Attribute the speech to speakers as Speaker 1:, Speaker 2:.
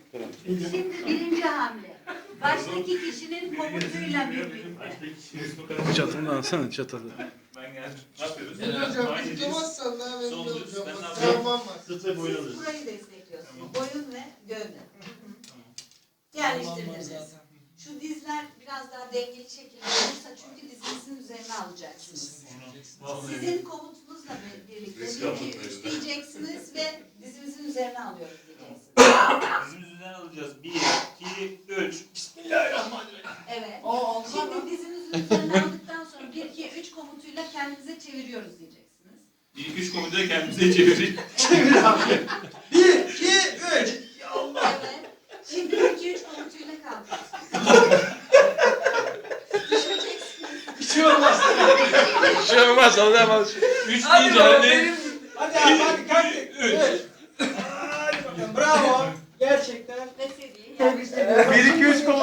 Speaker 1: Şimdi birinci hamle. Baştaki kişinin komutuyla birlikte.
Speaker 2: Çatını alsana çatalı.
Speaker 3: Ben geldim. Ne yapıyoruz?
Speaker 4: Hocam
Speaker 3: Aynı diz.
Speaker 4: tutamazsan daha ben
Speaker 3: Sol
Speaker 4: de
Speaker 3: düz.
Speaker 4: hocam.
Speaker 3: Ben ne
Speaker 4: Bak,
Speaker 3: yapıyorum?
Speaker 4: travmam var.
Speaker 3: Sırtı boyun
Speaker 1: Siz
Speaker 3: alıyoruz.
Speaker 1: burayı destekliyorsunuz.
Speaker 3: Tamam.
Speaker 1: Boyun ve gövde.
Speaker 3: Tamam.
Speaker 1: Yerleştirdiniz. Şu dizler biraz daha dengeli şekilde olursa çünkü dizinizin üzerine alacaksınız. Sizin komutunuzla birlikte 1, 2, 3 diyeceksiniz ve dizimizin üzerine alıyoruz diyeceksiniz.
Speaker 3: Dizimiz üzerine alacağız. 1, 2, 3. Bismillahirrahmanirrahim.
Speaker 1: Evet. Şimdi dizimizin üzerine aldıktan sonra 1, 2, 3 komutuyla kendimize çeviriyoruz diyeceksiniz.
Speaker 3: 1, 2, 3 komutu kendimize çevirin.
Speaker 4: Çevir abi. 1, 2, 3.
Speaker 1: Evet. Şimdi 1, 2, 3 komutuyla kalkıyorsunuz. Düşeceksiniz.
Speaker 4: Bir şey olmaz.
Speaker 2: Bir şey olmaz alamaz.
Speaker 3: 3
Speaker 4: Hadi
Speaker 3: deyince
Speaker 4: bakalım,
Speaker 3: hani.
Speaker 4: Hadi abi hadi kalk.
Speaker 3: 3.
Speaker 4: Hadi bakalım bravo. Gerçekten.
Speaker 1: Ve seviyeyi
Speaker 4: Tebrik
Speaker 1: yerleştirin.
Speaker 4: ederim.
Speaker 2: 1 2 3